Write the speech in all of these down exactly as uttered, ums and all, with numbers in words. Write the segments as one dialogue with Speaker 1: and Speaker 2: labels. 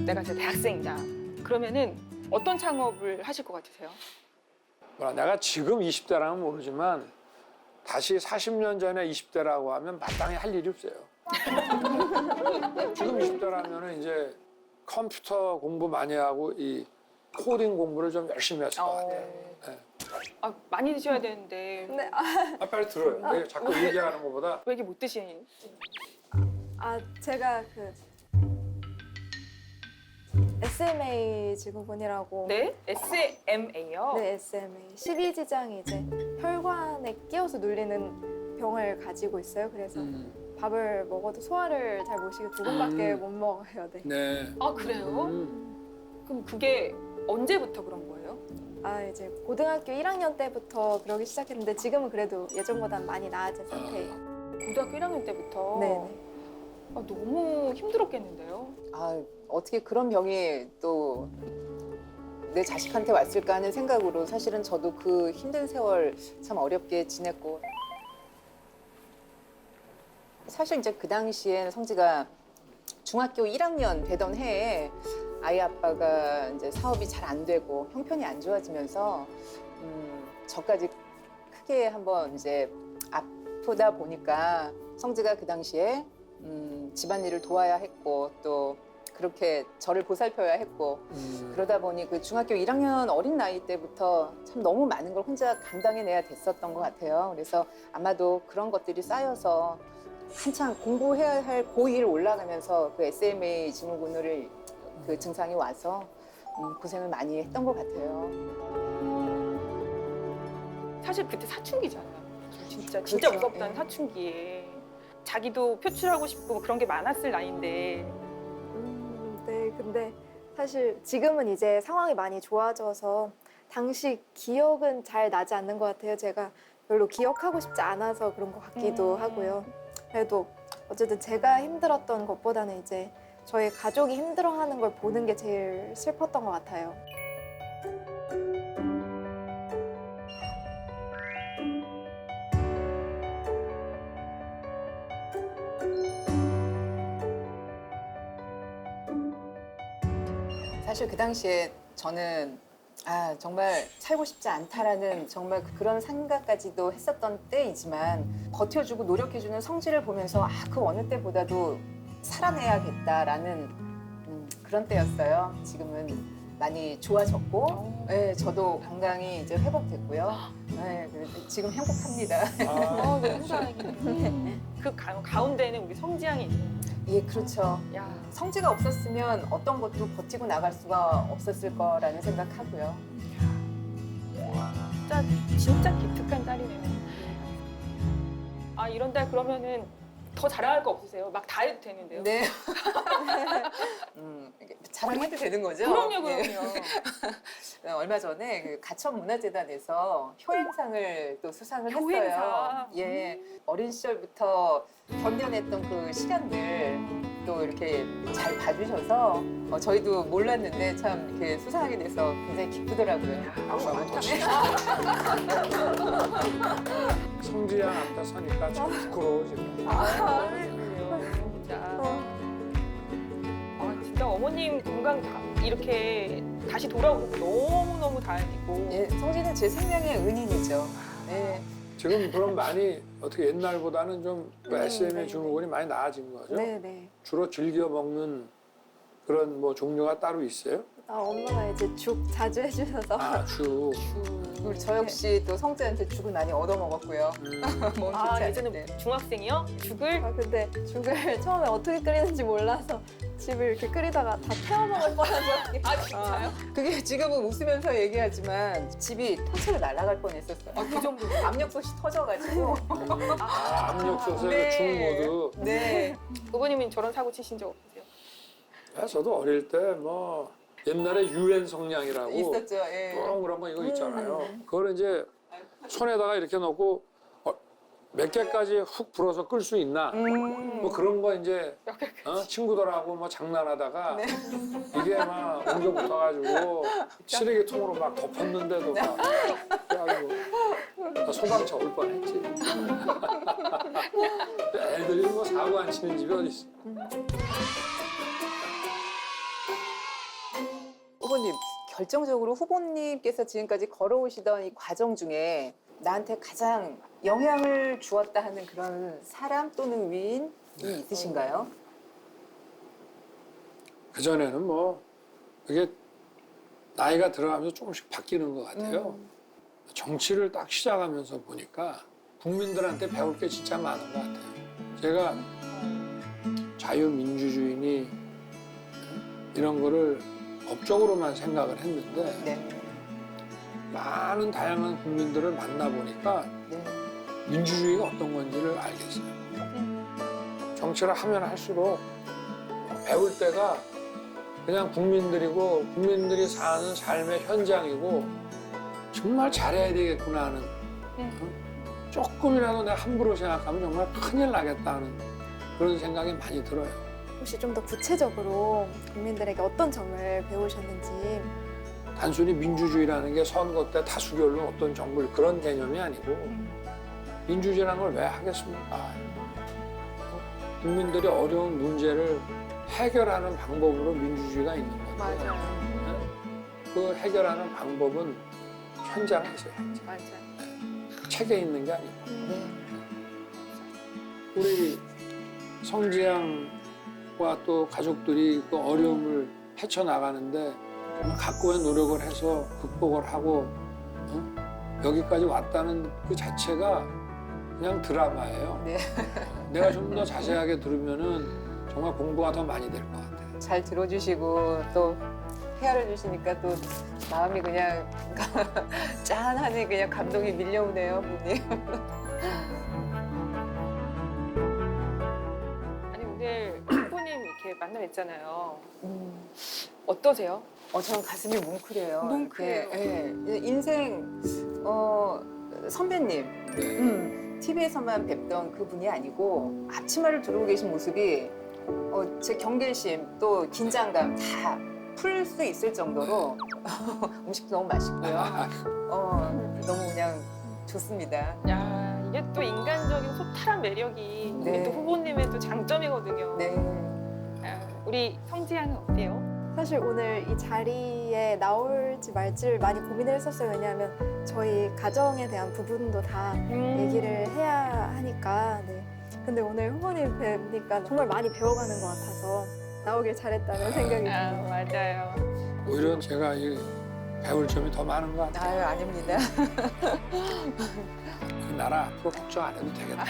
Speaker 1: 내가 이제 대학생이다. 그러면은 어떤 창업을 하실 것 같으세요?
Speaker 2: 뭐라, 내가 지금 이십 대라면 모르지만 다시 사십 년 전에 이십 대라고 하면 마땅히 할 일이 없어요. 지금 이십 대라면 이제 컴퓨터 공부 많이 하고 이 코딩 공부를 좀 열심히 했을 것 같아요. 네.
Speaker 1: 아, 많이 드셔야 되는데
Speaker 3: 네, 아,
Speaker 2: 아, 빨리 들어요. 왜 자꾸 얘기하는 것보다.
Speaker 1: 왜 이렇게 못 드시니?
Speaker 3: 아 제가 그 에스엠에이 증후군이라고.
Speaker 1: 네? 에스엠에이요?
Speaker 3: 네, 에스엠에이. 십이지장이 이제 혈관에 끼어서 눌리는 병을 가지고 있어요. 그래서
Speaker 2: 음,
Speaker 3: 밥을 먹어도 소화를 잘 못 시키고 두 번밖에
Speaker 2: 음.
Speaker 3: 못 먹어요. 네.
Speaker 2: 네.
Speaker 1: 아, 그래요?
Speaker 2: 음,
Speaker 1: 그럼 그게 언제부터 그런 거예요?
Speaker 3: 아 이제 고등학교 일 학년 때부터 그러기 시작했는데 지금은 그래도 예전보다 많이 나아진 상태예요.
Speaker 1: 고등학교 일 학년 때부터?
Speaker 3: 네네.
Speaker 1: 아, 너무 힘들었겠는데요?
Speaker 4: 아, 어떻게 그런 병이 또 내 자식한테 왔을까 하는 생각으로 사실은 저도 그 힘든 세월 참 어렵게 지냈고 사실 이제 그 당시에 성지가 중학교 일 학년 되던 해에 아이 아빠가 이제 사업이 잘 안 되고 형편이 안 좋아지면서 음, 저까지 크게 한번 이제 아프다 보니까 성지가 그 당시에 음, 집안일을 도와야 했고 또 그렇게 저를 보살펴야 했고
Speaker 2: 음.
Speaker 4: 그러다 보니 그 중학교 일 학년 어린 나이 때부터 참 너무 많은 걸 혼자 감당해내야 됐었던 것 같아요. 그래서 아마도 그런 것들이 쌓여서 한창 공부해야 할 고이를 올라가면서 그 에스엠에이 증후군을 그 증상이 와서 음, 고생을 많이 했던 것 같아요.
Speaker 1: 사실 그때 사춘기잖아요. 진짜 진짜
Speaker 4: 그렇죠.
Speaker 1: 무섭다는
Speaker 4: 예.
Speaker 1: 사춘기에 자기도 표출하고 싶고 뭐 그런 게 많았을 나이인데
Speaker 3: 음, 네, 근데 사실 지금은 이제 상황이 많이 좋아져서 당시 기억은 잘 나지 않는 것 같아요. 제가 별로 기억하고 싶지 않아서 그런 것 같기도
Speaker 1: 음.
Speaker 3: 하고요. 그래도 어쨌든 제가 힘들었던 것보다는 이제 저희 가족이 힘들어하는 걸 보는 게 제일 슬펐던 것 같아요.
Speaker 4: 사실 그 당시에 저는 아 정말 살고 싶지 않다라는 정말 그런 생각까지도 했었던 때이지만 버텨주고 노력해주는 성질을 보면서 아 그 어느 때보다도 살아내야겠다라는 음, 그런 때였어요. 지금은 많이 좋아졌고, 네, 저도 건강이 이제 회복됐고요. 네, 그래서 지금 행복합니다.
Speaker 2: 아,
Speaker 1: 아, 너무 다행이네. 그 가, 가운데는 우리 성지양이 있네요.
Speaker 4: 예, 그렇죠.
Speaker 1: 야,
Speaker 4: 성지가 없었으면 어떤 것도 버티고 나갈 수가 없었을 거라는 생각하고요.
Speaker 1: 진짜 진짜 기특한 딸이네요. 아, 이런 딸 그러면은 더 자랑할 거 없으세요? 막 다 해도 되는데요?
Speaker 4: 네. 음, 이게 자랑해도 되는 거죠?
Speaker 1: 그럼요,
Speaker 4: 예.
Speaker 1: 그럼요.
Speaker 4: 얼마 전에 그 가천문화재단에서 효행상을 또 수상을
Speaker 1: 효행상.
Speaker 4: 했어요. 예, 어린 시절부터 견뎌냈던 그 시간들 또 이렇게 잘 봐주셔서 어, 저희도 몰랐는데 참 이렇게 수상하게 돼서 굉장히 기쁘더라고요.
Speaker 2: 박수 한번 더 치죠. 성지양 앞에 서니까 참 부끄러워 지금.
Speaker 1: 아, 진짜. 아, 진짜 어머님 건강 다 이렇게 다시 돌아오고 너무너무 다행이고.
Speaker 4: 예, 성진은 제 생명의 은인이죠. 예.
Speaker 2: 지금 그럼 많이 어떻게 옛날보다는 좀
Speaker 3: 음,
Speaker 2: 에스엠에이
Speaker 3: 네.
Speaker 2: 증후군이 많이 나아진 거죠?
Speaker 3: 네, 네.
Speaker 2: 주로 즐겨 먹는 그런 뭐 종류가 따로 있어요?
Speaker 3: 아, 엄마가 이제 죽 자주 해주셔서.
Speaker 2: 아, 주.
Speaker 4: 우리 저 역시 또 성재한테 죽을 많이 얻어먹었고요.
Speaker 2: 음.
Speaker 4: 몸
Speaker 1: 아,
Speaker 4: 좋지 않을
Speaker 1: 예전에
Speaker 4: 때.
Speaker 1: 중학생이요? 죽을?
Speaker 3: 아, 근데 죽을 처음에 어떻게 끓이는지 몰라서 집을 이렇게 끓이다가 다 태워먹을 뻔한 적이.
Speaker 1: 아, 진짜요?
Speaker 4: 그게 지금은 웃으면서 얘기하지만 집이 통째로 날아갈 뻔했었어요.
Speaker 1: 아, 그 정도.
Speaker 4: 압력솥이 터져가지고.
Speaker 2: 아, 압력솥에
Speaker 4: 네.
Speaker 2: 중모드.
Speaker 4: 네.
Speaker 1: 부모님은 저런 사고 치신 적 없으세요?
Speaker 2: 야, 저도 어릴 때 뭐 옛날에 유엔 성냥이라고
Speaker 4: 있었죠. 예.
Speaker 2: 동그란 거 이거 있잖아요. 그걸 이제 손에다가 이렇게 넣고 어, 몇 개까지 훅 불어서 끌 수 있나?
Speaker 4: 음.
Speaker 2: 뭐 그런 거 이제 어? 친구들하고 뭐 장난하다가
Speaker 4: 네.
Speaker 2: 이게 막 옮겨 붙어가지고 쓰레기통으로 막 덮었는데도 막 그래가지고 나 소방차 올 뻔했지. 애들이 뭐 사고 안 치는 집이 어디 있어?
Speaker 4: 결정적으로 후보님께서 지금까지 걸어오시던 이 과정 중에 나한테 가장 영향을 주었다 하는 그런 사람 또는 위인이 있으신가요?
Speaker 2: 그 전에는 뭐 그게 나이가 들어가면서 조금씩 바뀌는 것 같아요.
Speaker 4: 음.
Speaker 2: 정치를 딱 시작하면서 보니까 국민들한테 배울 게 진짜 많은 것 같아요. 제가 자유민주주의니 이런 거를 법적으로만 생각을 했는데
Speaker 4: 네.
Speaker 2: 많은 다양한 국민들을 만나보니까
Speaker 4: 네.
Speaker 2: 민주주의가 어떤 건지를 알겠어요. 정치를 하면 할수록 배울 때가 그냥 국민들이고 국민들이 사는 삶의 현장이고 정말 잘해야 되겠구나 하는 어? 조금이라도 내가 함부로 생각하면 정말 큰일 나겠다는 그런 생각이 많이 들어요.
Speaker 3: 혹시 좀 더 구체적으로 국민들에게 어떤 점을 배우셨는지.
Speaker 2: 단순히 민주주의라는 게 선거 때 다수결로 어떤 정부를 그런 개념이 아니고 민주주의라는 걸 왜 하겠습니까? 어? 국민들이 어려운 문제를 해결하는 방법으로 민주주의가 있는 건데
Speaker 1: 맞아요.
Speaker 2: 네? 그 해결하는 방법은 현장에 있어야지.
Speaker 1: 맞아요.
Speaker 2: 책에 있는 게 아니고
Speaker 4: 네.
Speaker 2: 우리 성지양과 또 가족들이 그 어려움을 헤쳐나가는데 정말 각고의 노력을 해서 극복을 하고 어? 여기까지 왔다는 그 자체가 그냥 드라마예요.
Speaker 4: 네.
Speaker 2: 내가 좀 더 자세하게 들으면은 정말 공부가 더 많이 될 것 같아요.
Speaker 4: 잘 들어주시고 또 헤아려 주시니까 또 마음이 그냥 짠하니 그냥 감동이 밀려오네요, 후보님.
Speaker 1: 아니 오늘 후보님 이렇게 만나 뵀잖아요.
Speaker 4: 음.
Speaker 1: 어떠세요?
Speaker 4: 어, 저는 가슴이 뭉클해요.
Speaker 1: 뭉클해요.
Speaker 4: 이렇게, 예. 인생 어, 선배님,
Speaker 2: 네.
Speaker 4: 음, 티비에서만 뵙던 그분이 아니고 앞치마를 두르고 계신 모습이 어, 제 경계심 또 긴장감 다 풀 수 있을 정도로 음식도 너무 맛있고요. 어, 너무 그냥 좋습니다.
Speaker 1: 야 이게 또 인간적인 소탈한 매력이
Speaker 4: 네.
Speaker 1: 우리 또 후보님의 또 장점이거든요.
Speaker 4: 네.
Speaker 1: 아, 우리 성지양은 어때요?
Speaker 3: 사실 오늘 이 자리에 나올지 말지를 많이 고민을 했었어요. 왜냐하면 저희 가정에 대한 부분도 다
Speaker 1: 음.
Speaker 3: 얘기를 해야 하니까. 네. 근데 오늘 후보님 뵈니까 정말 많이 배워가는 것 같아서 나오길 잘했다는 생각이
Speaker 1: 아
Speaker 3: 듭니다.
Speaker 1: 맞아요.
Speaker 2: 오히려 제가 이 배울 점이 더 많은 것 같아요.
Speaker 4: 아유, 아닙니다.
Speaker 2: 그 나라 앞으로 걱정 안 해도 되겠다.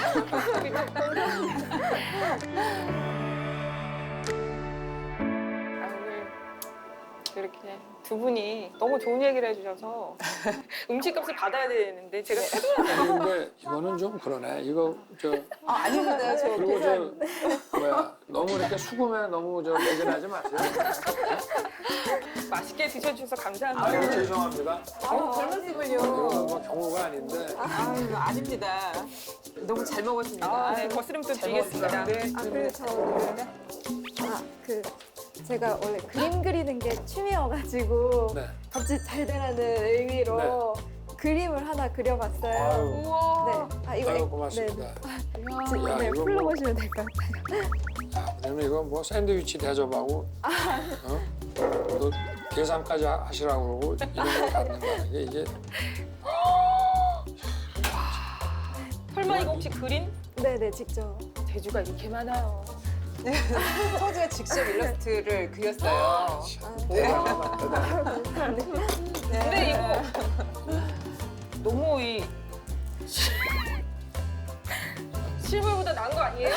Speaker 1: 아, 오늘 이렇게 두 분이 너무 좋은 얘기를 해주셔서 음식값을 받아야 되는데 제가
Speaker 2: 아니, 근데 이거는 좀 그러네. 이거 저
Speaker 4: 아, 아닙니다. 저
Speaker 2: 그리고
Speaker 4: 계산.
Speaker 2: 저 뭐야 너무 이렇게 수금에 너무 저 매진하지 마세요.
Speaker 1: 맛있게 드셔주셔서 감사합니다.
Speaker 2: 아유 죄송합니다.
Speaker 4: 아유, 별 말씀을요.
Speaker 2: 이거는 뭐 경우가 아닌데.
Speaker 4: 아유, 아닙니다. 너무 잘 먹었습니다.
Speaker 1: 아, 네, 거스름 또
Speaker 4: 잘
Speaker 1: 드리겠습니다.
Speaker 4: 먹었습니다.
Speaker 3: 아, 그리고 저 아, 그 제가 원래 그림 그리는 게 취미여가지고
Speaker 2: 네.
Speaker 3: 잡지 잘 되라는 의미로 그림을 하나 그려봤어요.
Speaker 2: 아유,
Speaker 1: 우와.
Speaker 3: 네. 아 이거
Speaker 2: 아유
Speaker 3: 엑-
Speaker 2: 고맙습니다.
Speaker 3: 네, 지금
Speaker 2: 야,
Speaker 3: 네,
Speaker 2: 이거
Speaker 3: 풀로
Speaker 2: 뭐-
Speaker 3: 보시면 될 것 같아요.
Speaker 2: 야, 그러면 이거 뭐 샌드위치 대접하고 어? 또 계산까지 하- 하시라고 그러고 이런 거 받는 거 이게 이게
Speaker 1: 설마 이거 혹시 그린?
Speaker 3: 네네 직접.
Speaker 1: 제주가 이렇게 많아요.
Speaker 4: 성지가 직접 일러스트를 그렸어요.
Speaker 3: 아,
Speaker 2: 대단하다, 대단하다.
Speaker 3: 감사합니다.
Speaker 1: 근데 이거 너무 이 실물보다 나은 거 아니에요?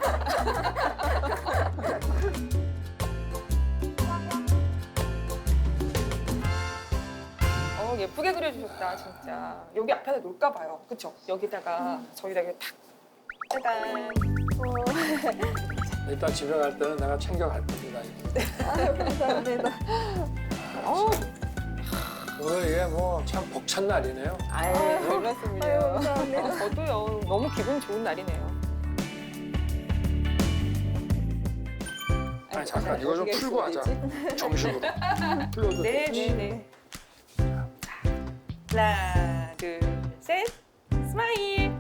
Speaker 1: 어 예쁘게 그려주셨다 진짜. 여기 앞에다 놓을까 봐요. 그쵸? 여기다가 저희다 이렇게 탁 짜잔.
Speaker 2: 일단 집에 갈 때는 내가 챙겨갈 겁니다. 이거.
Speaker 3: 아유, 감사합니다.
Speaker 1: 어
Speaker 2: 오늘 이게 뭐 참 벅찬 날이네요.
Speaker 4: 아유,
Speaker 3: 아유,
Speaker 4: 별
Speaker 3: 아유,
Speaker 4: 말씀을요.
Speaker 3: 감사합니다.
Speaker 1: 저도요. 너무 기분 좋은 날이네요.
Speaker 2: 아니 잠깐 이거 좀
Speaker 4: 어떻게
Speaker 2: 풀고 하자. 정식으로. 풀어도
Speaker 1: 네,
Speaker 2: 되지.
Speaker 1: 네, 네. 하나, 둘, 셋, 스마일.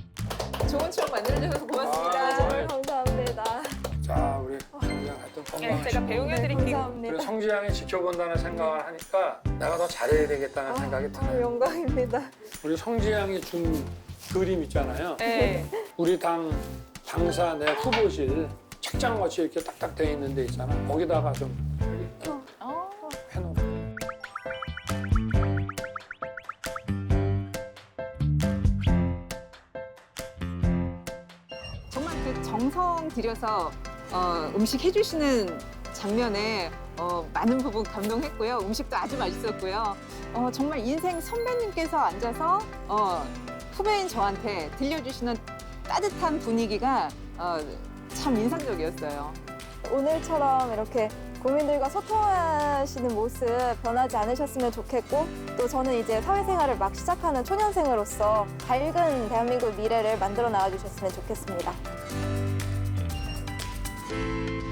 Speaker 4: 좋은 추억 만들어주셔서 고맙습니다.
Speaker 2: 아,
Speaker 3: 정말 감사합니다.
Speaker 2: 자 우리 그냥 하여튼 건강 성지양이 지켜본다는 생각을 하니까 내가 더 잘해야 되겠다는 생각이
Speaker 3: 아,
Speaker 2: 드네요.
Speaker 3: 영광입니다.
Speaker 2: 우리 성지양이 준 그림 있잖아요.
Speaker 1: 네.
Speaker 2: 우리 당 당사 내 후보실 책장같이 이렇게 딱딱 돼 있는 데 있잖아. 거기다가 좀
Speaker 1: 어.
Speaker 2: 해놓고.
Speaker 4: 정말 그 정성 들여서 어, 음식 해주시는 장면에 어, 많은 부분 감동했고요. 음식도 아주 맛있었고요. 어, 정말 인생 선배님께서 앉아서 어, 후배인 저한테 들려주시는 따뜻한 분위기가 어, 참 인상적이었어요.
Speaker 3: 오늘처럼 이렇게 국민들과 소통하시는 모습 변하지 않으셨으면 좋겠고 또 저는 이제 사회생활을 막 시작하는 초년생으로서 밝은 대한민국 미래를 만들어 나와 주셨으면 좋겠습니다.